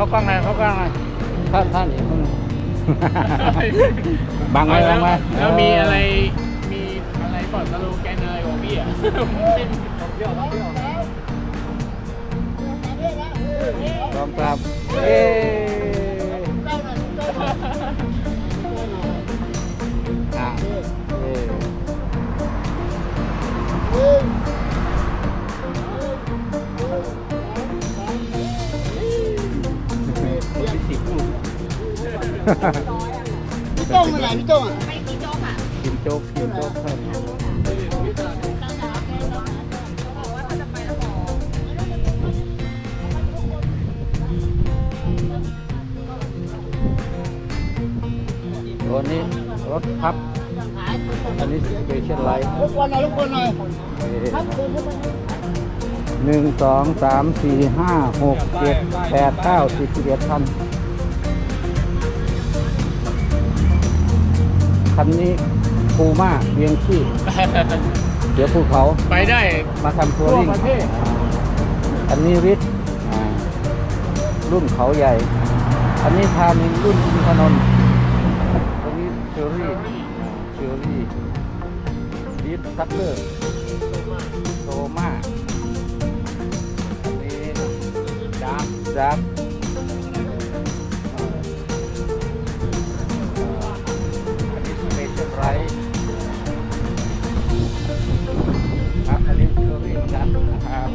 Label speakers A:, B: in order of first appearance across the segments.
A: กล้องหน่อยท่านอีกคนบังไว้
B: แล้วมีอะไรก่อนสโลแกนอะไรของพี่อ่ะ
A: พร้อมครับ
C: พี่โต้งเป็นไรพี่โต้งอ่ะ
A: กินโจ๊กครับตัวนี้รถพับอันนี้สเปเชียลไลท์
C: รบกวนหน่อย
A: 1 2 3 4 5 6 7 8 9 10 11คันคันนี้ภูม่าเวียงขี้เดี๋ยวภูเขา
B: ไปได้
A: มาทำทัวริ่งอันนี้ริทรุ่นเขาใหญ่อันนี้ทานินรุ่นอินทนนท์ตัวนี้เชอรี่ริททัพเลอร์โตมาอันนี้ดับไรครับอันนี้คือเรียนกันนะครับ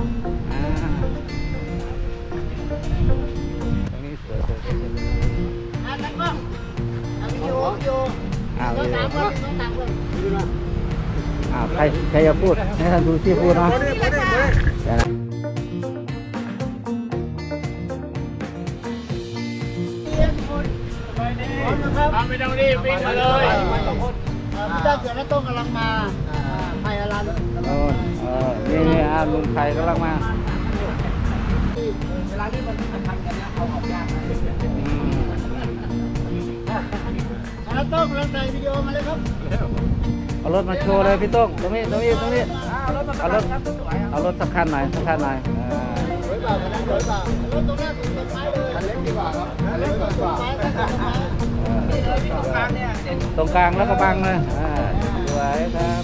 A: ตรงนี้สวย
C: ตั้งกล้องวิดีโอต้องตามเลย
A: ใครจะพูดให้ท่านดูที่พูดนะ
B: ไม่ต้องรีบวิ่งมาเลย
C: พี่เจ้าเสือและโต้งกำลังมาไทยอลัน
A: นี่ลุงไทยกำลังมา
C: เวลาที่มันสำคัญกันเนี่ยเอาออกยากแล้วโต้งกำลังถ่ายวิดีโอมาเลยครับ
A: เอารถมาโชว์เลยพี่โต้งตรงนี้เอารถสักคันหน่อย
C: สวยเปล่ารถตรงนี้ต้นไม้เลยคันเล็กดีกว่าครับคันเล็กดีกว่า
A: ตรงกลางแล้วก็บังเลยสวยครับ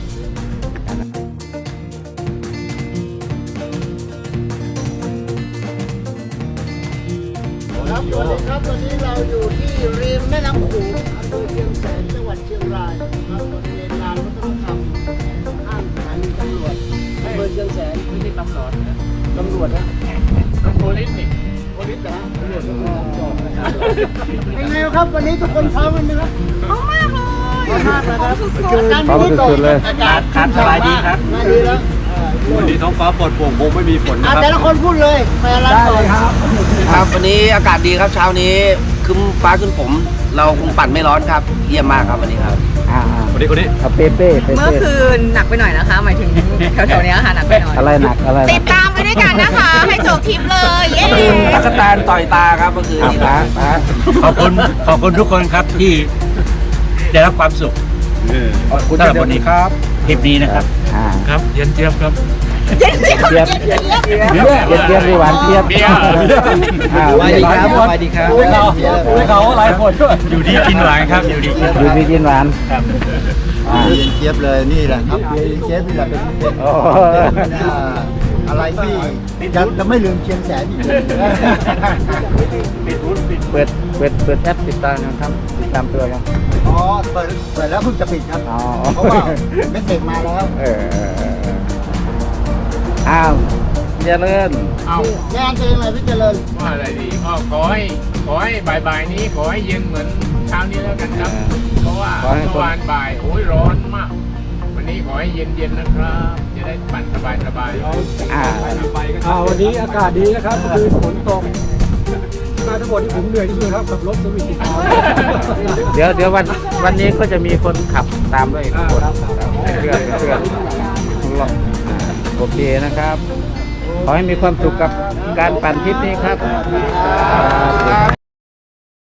C: ครับสวัสดีครับวันนี้เราอยู่ที่ริมแม่น้ำโขงอำเภอเชียงแสนจังหวัดเชียงรายครับบริเวณลานวัฒนธรรมข้างสถานีตำรวจอำเภอเชียงแสน
B: ไม่ใช่ตำรวจนะ
C: โพลิสนี่โพลิสนะตำรวจก็ต้องจอดนะครับเป็นไงครับวันนี้ทุกคนพร้อมกันไหมครับ
D: พร้อมมากเลย
A: พร้อมสุดๆเลย
C: อากาศสบายดีครับดีแล้ว
E: วันนี้ท้องฟ้าปลอดโปร่งคงไม่มีฝนนะครับ
C: แต่ละคนพูดเลยไปร้านก่อน
F: ครับวันนี้อากาศดีครับเช้านี้คึ้มฟ้าขึ้นผมเราคงปั่นไม่ร้อนครับเยี่ยมมากครับวันนี้ครับ
E: คนนี้
A: เป้
D: เมื่อคืนหนักไปหน่อยนะคะหมายถึงแถวๆนี้ค่ะหนักไปหน่อย
A: อะไรหนัก
D: ติดตามไปด้วยกันนะคะให้จบทริปเลยเย้
F: ตั๊กแตนต่อยตาครับเมื่อคืนนี้
E: ขอบคุณทุกคนครับที่ได้รับความสุขสำหรับวันนี้ครับทริปนี้นะครับครับเย็นเจี๊ยบครับ
A: เทียบหวานเทียบ
F: สวัสดีครับ
E: เขาหลายคนอยู่ดีกินหวานครับอยู่ดี
A: กินหวาน
E: ครับ
C: เย็นเจี๊ยบเลยนี่แหละครับเย็นเจี๊ยบนี่แหละเป็นอะไรที่จะไม่ลืมเชียงแสนอีก
A: เปิดแอปติดตามครับติดตามตัวยัง
C: อ๋อเปิดแล้วเพิ่งจะปิดครับเพราะว่าเมสเสจมาแล้ว
A: เจริญ
C: งานเป็นยังไงพี่เจริญ
B: ว่าอะไรดีก็ขอให้บ่ายนี้ขอให้เย็นเหมือนเช้านี้แล้วกันครับเพราะว่าเมื่อวานบ่ายโอ้ยร้อนมากวันนี้ขอให้เย็นนะครับจะได้ปั่นสบาย
E: วันนี้อากาศดีนะครับคือฝนตกมาทั้งหมดที่ผมเหนื่อยที่สุดครับกับรถสวิต
A: เดี๋ยววันนี้ก็จะมีคนขับตามด้วยคนเพื่อนโอเคนะครับขอให้มีความสุขกับการปั่นทริปนี้ครับ